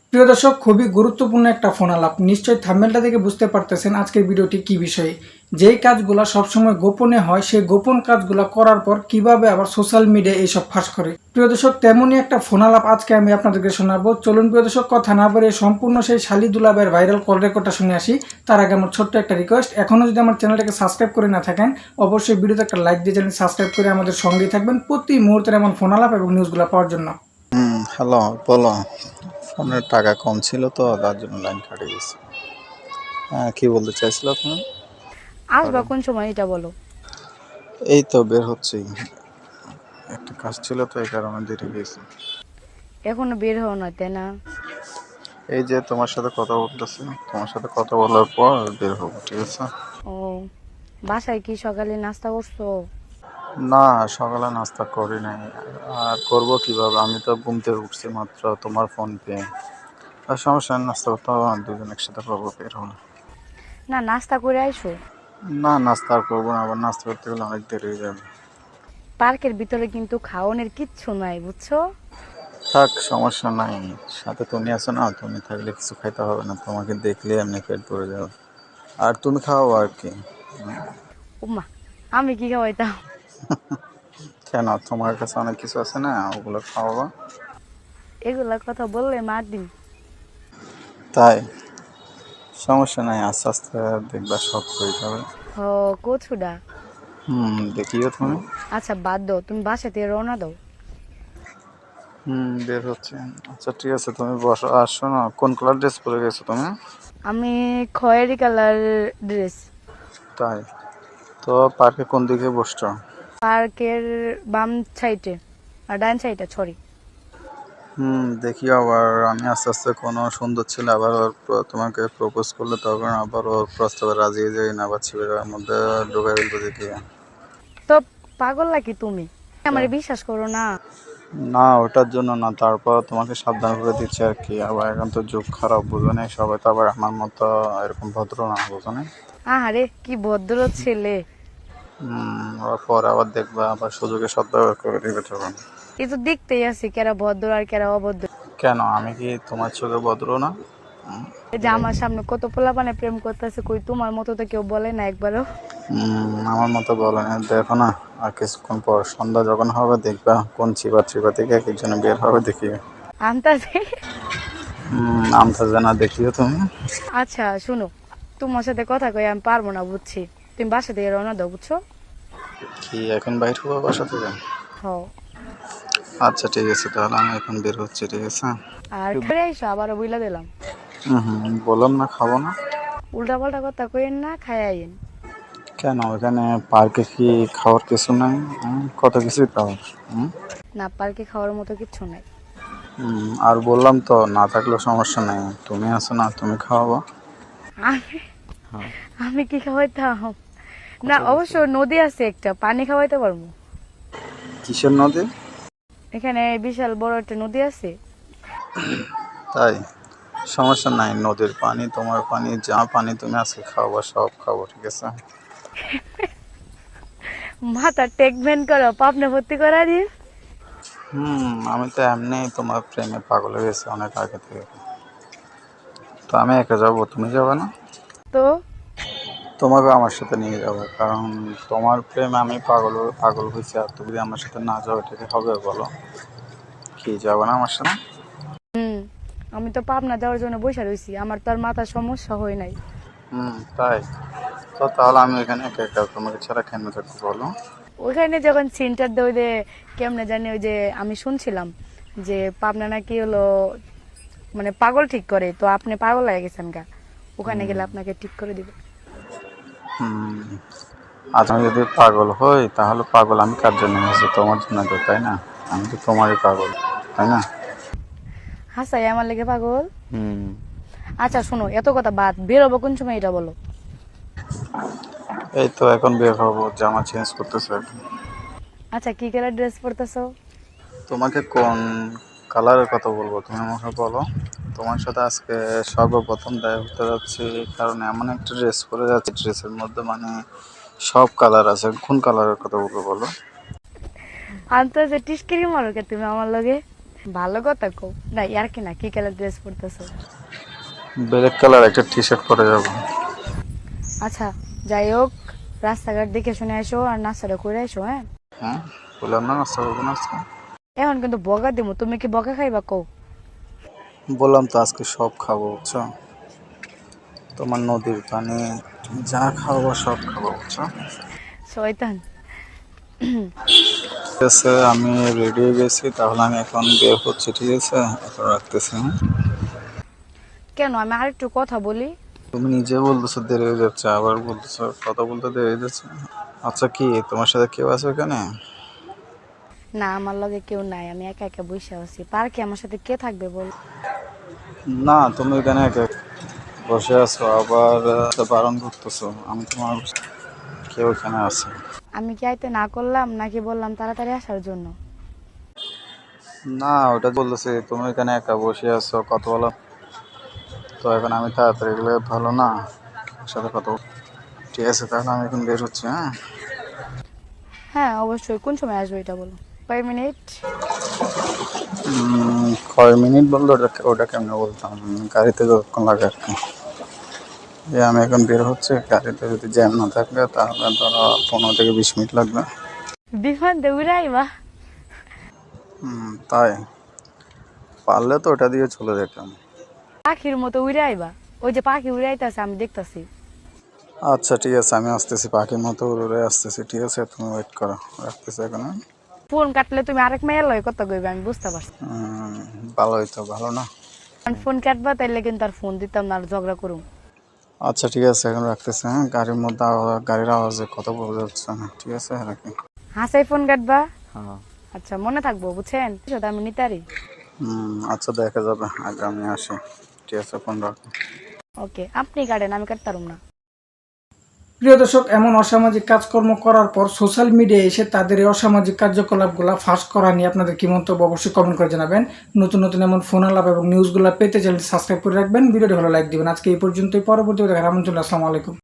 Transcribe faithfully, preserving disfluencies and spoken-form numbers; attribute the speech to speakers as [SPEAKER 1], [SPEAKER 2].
[SPEAKER 1] প্রিয় দর্শক, খুবই গুরুত্বপূর্ণ একটা ফোন আলাপ। নিশ্চয়ই থাম্বনেলটা দেখে বুঝতে পারতেছেন আজকের ভিডিওটি কি বিষয়ে। যেই কাজগুলো সবসময় গোপনে হয় সেই গোপন কাজগুলো করার পর কিভাবে আবার সোশ্যাল মিডিয়ায় এইসব ফাঁস করে। প্রিয় দর্শক, তেমনই একটা ফোন আলাপ আজকে আমি আপনাদেরকে শোনাবো। চলুন প্রিয় দর্শক, কথা না বলে সম্পূর্ণ সেই শালি দুলাবের ভাইরাল কল রেকর্ডটা শুনে আসি। তার আগে আমার ছোট্ট একটা রিকোয়েস্ট, এখনও যদি আমার চ্যানেলটাকে সাবস্ক্রাইব করে না থাকেন অবশ্যই ভিডিওতে একটা লাইক দিয়ে চ্যানেল সাবস্ক্রাইব করে আমাদের সঙ্গেই থাকবেন প্রতি মুহূর্তের এমন ফোন আলাপ এবং নিউজগুলো পাওয়ার জন্য।
[SPEAKER 2] হুম, হ্যালো, বলো। ফোনের টাকা কম ছিল তো তার জন্য লাইন কাটে গেছে। হ্যাঁ, কি বলতে চাইছিলো তুমি?
[SPEAKER 3] আসবা
[SPEAKER 2] বলো।
[SPEAKER 3] কোন সময় এটা বলো।
[SPEAKER 2] এই তো বের হচ্ছি, একটা কাজ ছিল তো এই কারণে দেরি গেছে।
[SPEAKER 3] এখনো বের হও না, তাই না?
[SPEAKER 2] এই যে তোমার সাথে কথা বলতেছি, তোমার সাথে কথা বলার পর বের হবো, ঠিক আছে?
[SPEAKER 3] ও, বাসায় কি সকালে নাস্তা করছো?
[SPEAKER 2] না, সকালে নাস্তা করি নাই। আর করবো কিভাবে, আমি তো ঘুম থেকে উঠছি মাত্র তোমার ফোন পেয়ে। আর সমস্যা নেই, নাস্তা করতে হবে না, দুজন একসাথে করবো বের হলে।
[SPEAKER 3] না, নাস্তা করে আইসো।
[SPEAKER 2] না, নাস্তা আর করবো না, আবার নাস্তা করতে গেলে অনেক দেরি হয়ে যাবে।
[SPEAKER 3] পার্কের ভিতরে কিন্তু খাওয়ানোর কিচ্ছু নাই, বুঝছো?
[SPEAKER 2] থাক, সমস্যা নাই। সাথে তুমি আছো না, তুমি থাকলে কিছু খাইতে হবে না, তোমাকে দেখলে এমনি পেট ভরে যাবে। আর তুমি খাও আর কি।
[SPEAKER 3] উমা, আমি কি খাওয়াইতাম?
[SPEAKER 2] কেন, তোমার কাছে অনেক কিছু আছে না, ওগুলো খাওয়াবা।
[SPEAKER 3] এগুলা কথা বললে মার দিন।
[SPEAKER 2] তাই সমস্যা নাই, আস্তে আস্তে দেখবা সব হয়ে যাবে।
[SPEAKER 3] হ, কচুডা।
[SPEAKER 2] হুম, দেখিও তুমি।
[SPEAKER 3] আচ্ছা বাদ দাও, তুমি বাসা থেকে রওনা দাও।
[SPEAKER 2] হুম, বের হচ্ছে। আচ্ছা ঠিক আছে, তুমি বসো। আসো না, কোন কালার ড্রেস পরে গেছো তুমি?
[SPEAKER 3] আমি খয়েরি কালার ড্রেস।
[SPEAKER 2] তাই তো পার্কে কোন দিকে বসছো?
[SPEAKER 3] পার্কের বাম সাইডে আর ডান সাইডে, সরি।
[SPEAKER 2] হুম, দেখি আবার আমি আস্তে আস্তে কোনো সুন্দর ছেলে আবার ওর প্র- তোমাকে প্রপোজ করলে তখন আবার ওর প্রস্তাবে রাজি হয়ে যাই না, আবার ছেলেটার মধ্যে ঢুকে ফেলবো দেখি।
[SPEAKER 3] তো পাগল নাকি তুমি? আমার বিশ্বাস করো না।
[SPEAKER 2] না, ওটার জন্য না, তারপর তোমাকে সাবধান করে দিচ্ছি আর কি। আবার এখন তো যুগ খারাপ, বুঝো না, সবাই তো আবার আমার মতো এরকম ভদ্র না, বুঝো না।
[SPEAKER 3] আহারে, কি ভদ্র ছেলে।
[SPEAKER 2] হুম, ওর পর আবার দেখবা আবার সুযোগে সদ্ব্যবহার করে দিবে তখন।
[SPEAKER 3] এই তো দেখতেই আছি কেরা ভদ্র আর কেরা অভদ্র।
[SPEAKER 2] কেন, আমি কি তোমার চোখে ভদ্র না? হুম,
[SPEAKER 3] এই যে আমার সামনে কত পোলাপানে প্রেম করতেছে, কই তোমার মতো তো কেউ বলে না একবারও।
[SPEAKER 2] হুম, আমার মতো বলে না, দেখো না। আর কিছুক্ষণ পর সন্ধ্যা যখন হবে দেখবা কোন চিবা চিবা থেকে এক একজনে বের হবে দেখিও।
[SPEAKER 3] আনতাছে।
[SPEAKER 2] হুম, আমতা না দেখিও তুমি।
[SPEAKER 3] আচ্ছা শুনো, তোমার সাথে কথা কই আমি পারবো না, বুঝছি। তুমি বাসা থেকে রওনা দাও, বুঝছো?
[SPEAKER 2] কি এখন বাইর হবো বাসা থেকে?
[SPEAKER 3] হও।
[SPEAKER 2] আচ্ছা ঠিক আছে, তাহলে আমি এখন বের হচ্ছি, ঠিক আছে।
[SPEAKER 3] আর ফিরে আইসো, আবারও বইলা দিলাম।
[SPEAKER 2] হুম হুম, বললাম না খাবো না।
[SPEAKER 3] উল্টা পাল্টা কথা কইেন না, খাই আইন।
[SPEAKER 2] কেন, এখানে পার্কে কি খাওয়ার কিছু নাই? হুম, কত কিছুই খাওয়ার। হুম
[SPEAKER 3] না, পার্কে খাওয়ার মতো কিচ্ছু নাই।
[SPEAKER 2] হুম, আর বললাম তো না থাকলেও সমস্যা নেই, তুমি আছো না, তুমি খাওয়াবো।
[SPEAKER 3] আমি
[SPEAKER 2] হ্যাঁ,
[SPEAKER 3] আমি কি খাওয়াইতাম?
[SPEAKER 2] কত
[SPEAKER 3] না,
[SPEAKER 2] কিছু।
[SPEAKER 3] অবশ্য নদী আছে একটা, পানি খাওয়াইতে পারবো।
[SPEAKER 2] কিসের নদী?
[SPEAKER 3] এখানে বিশাল বড় একটা নদী আছে।
[SPEAKER 2] তাই সমস্যা নাই, নদীর পানি তোমার পানি, যা পানি তুমি আজকে খাওয়াবো সব খাবো, ঠিক আছে।
[SPEAKER 3] মাথা টেকমেন্ট করো, পাপনা ভর্তি করা দিন।
[SPEAKER 2] হুম, আমি তো এমনি তোমার প্রেমে পাগল হয়ে গেছি অনেক আগে থেকে। তো আমি একা যাবো, তুমি যাবে না?
[SPEAKER 3] তো
[SPEAKER 2] তোমাকে আমার সাথে নিয়ে যাবো, কারণ তোমার প্রেমে আমি পাগল পাগল হয়েছি, আর তুমি যদি আমার সাথে না যাও এটা কি হবে বলো? কি, যাবো না আমার সাথে?
[SPEAKER 3] হুম, আমি তো পাবনা যাওয়ার জন্য বসে রয়েছি, আমার তো আর মাথার সমস্যা হয় নাই।
[SPEAKER 2] হুম, তাই তো তাহলে আমি এখানে একা একা তোমাকে ছাড়া কেন থাকবো বলো?
[SPEAKER 3] ওইখানে যখন সেন্টার দেয়, ওই যে কেমনে জানি, ওই যে আমি শুনছিলাম যে পাবনা নাকি হলো মানে পাগল ঠিক করে, তো আপনি পাগল হয়ে গেছেন গা, ওখানে গেলে আপনাকে ঠিক করে দিবে।
[SPEAKER 2] হুম, আজ আমি যদি পাগল হই তাহলে পাগল আমি কার জন্য হয়েছি, তোমার জন্য তো, তাই না? আমি তো তোমারই পাগল, তাই না?
[SPEAKER 3] হাসাই আমার লেগে পাগল।
[SPEAKER 2] হুম,
[SPEAKER 3] আচ্ছা শোনো, এত কথা বাদ, বেরোবো কোন সময় এটা বলো।
[SPEAKER 2] এই তো এখন বের হবো, জামা চেঞ্জ করতেছে এখন।
[SPEAKER 3] আচ্ছা, কি কালার ড্রেস পরতেছো?
[SPEAKER 2] তোমাকে কোন কালারের কথা বলবো তুমি আমাকে বলো। তোমার সাথে আজকে সর্বপ্রথম দেখা করতে যাচ্ছি, কারণ এমন একটা ড্রেস পরে যাচ্ছে, ড্রেসের মধ্যে মানে সব কালার আছে, কোন কালারের কথা বলবো বলো?
[SPEAKER 3] আনতে যে টিস্কিরি মারো কে তুমি আমার লগে? ভালো কথা কো না ইয়ার কি না কি কালার ড্রেস পরতেছো?
[SPEAKER 2] ব্ল্যাক কালার একটা টি শার্ট পরে যাব।
[SPEAKER 3] আচ্ছা যাই হোক, রাস্তাঘাট দেখে শুনে আসো আর নাস্তাটা করে আসো। হ্যাঁ
[SPEAKER 2] হ্যাঁ বললাম না নাস্তা করবো না আজকে।
[SPEAKER 3] এখন কিন্তু বকা দিমু, তুমি কি বকা খাইবা কও?
[SPEAKER 2] বললাম তো আজকে সব খাবো বুঝছো, তোমার নদীর পানি যা খাবো সব খাবো বুঝছো।
[SPEAKER 3] শয়তান।
[SPEAKER 2] ঠিক আছে আমি রেডি হয়ে গেছি, তাহলে আমি এখন বের হচ্ছি, ঠিক আছে এখন রাখতেছি। হ্যাঁ?
[SPEAKER 3] কেন, আমি আরেকটু কথা বলি।
[SPEAKER 2] তুমি নিজে বলতেছো দেরি হয়ে যাচ্ছে, আবার বলতেছো কথা বলতে দেরি হয়ে যাচ্ছে। আচ্ছা কি তোমার সাথে কেউ আছে ওখানে?
[SPEAKER 3] না আমার লগে কেউ নাই, আমি একা একা বসে আছি। পার্কে আমার সাথে কে থাকবে বল?
[SPEAKER 2] না তুমি এখানে একা বসে আছো, আবার আহ, বারণ করতেছো। আমি তোমার কেউ এখানে আছে।
[SPEAKER 3] আমি কি আইতে না করলাম নাকি বললাম তাড়াতাড়ি আসার জন্য?
[SPEAKER 2] না ওটা বলতেছি তুমি এখানে একা বসে আছো কথা বলো, তো এখন আমি তাড়াতাড়ি গেলে ভালো না, ওর সাথে কথা বল। ঠিক আছে তাহলে আমি এখন বের হচ্ছি। হ্যাঁ
[SPEAKER 3] হ্যাঁ অবশ্যই, কোন সময় আসবে এটা বলো। কয় মিনিট?
[SPEAKER 2] উম, কয় মিনিট বললো ওটা ওটা কেমনে বলতাম, গাড়িতে যতক্ষণ লাগে আর কি। যে আমি এখন বের হচ্ছে, গাড়িতে যদি জ্যাম না থাকবে তাহলে ধরো পনেরো থেকে বিশ মিনিট লাগবে।
[SPEAKER 3] বিমান দিয়ে উড়াইবা?
[SPEAKER 2] হুম তাই পারলে তো ওটা দিয়ে চলে যেতাম।
[SPEAKER 3] পাখির মতো উড়াইবা? ওই যে পাখি উড়াইতেছে আমি দেখতাছি।
[SPEAKER 2] আচ্ছা ঠিক আছে আমি আসতেছি, পাখির মতো উড়ে আসতেছি, ঠিক আছে তুমি ওয়েট করো, রাখতেছি এখন। হ্যাঁ?
[SPEAKER 3] ফোন কাটলে তুমি আরেক মেয়ের লয় কথা কইবে, আমি বুঝতে পারছি।
[SPEAKER 2] হুম, ভালোই তো ভালো না।
[SPEAKER 3] ফোন কাটবা তাইলে কিন্তু আর ফোন দিতাম না, আর ঝগড়া করুম।
[SPEAKER 2] আচ্ছা ঠিক আছে এখন রাখতেছি। হ্যাঁ গাড়ির মধ্যে আওয়া- গাড়ির আওয়াজে কথা বলা যাচ্ছে না, ঠিক আছে রাখি।
[SPEAKER 3] হাসাই ফোন কাটবা?
[SPEAKER 2] হ্যাঁ
[SPEAKER 3] আচ্ছা মনে থাকবো বুঝছেন, সেটা আমি নিতারি।
[SPEAKER 2] হুম আচ্ছা দেখা যাবে, আগে আমি আসি, ঠিক আছে ফোন রাখো।
[SPEAKER 3] ওকে, আপনি কাটেন, আমি কাটতারুম না।
[SPEAKER 1] প্রিয় দর্শক, এমন অসামাজিক কাজকর্ম করার পর সোশ্যাল মিডিয়ায় এসে তাদের এই অসামাজিক কার্যকলাপগুলো ফাঁস করা নিয়ে আপনাদের কি মন্তব্য অবশ্যই কমেন্ট করে জানাবেন। নতুন নতুন এমন ফোন আলাপ এবং নিউজগুলো পেতে চ্যানেল সাবস্ক্রাইব করে রাখবেন, ভিডিওটি ভালো লাইক দিবেন। আজকে এই পর্যন্তই, পরবর্তী দেখার আমন্ত্রণ। আসসালামু আলাইকুম।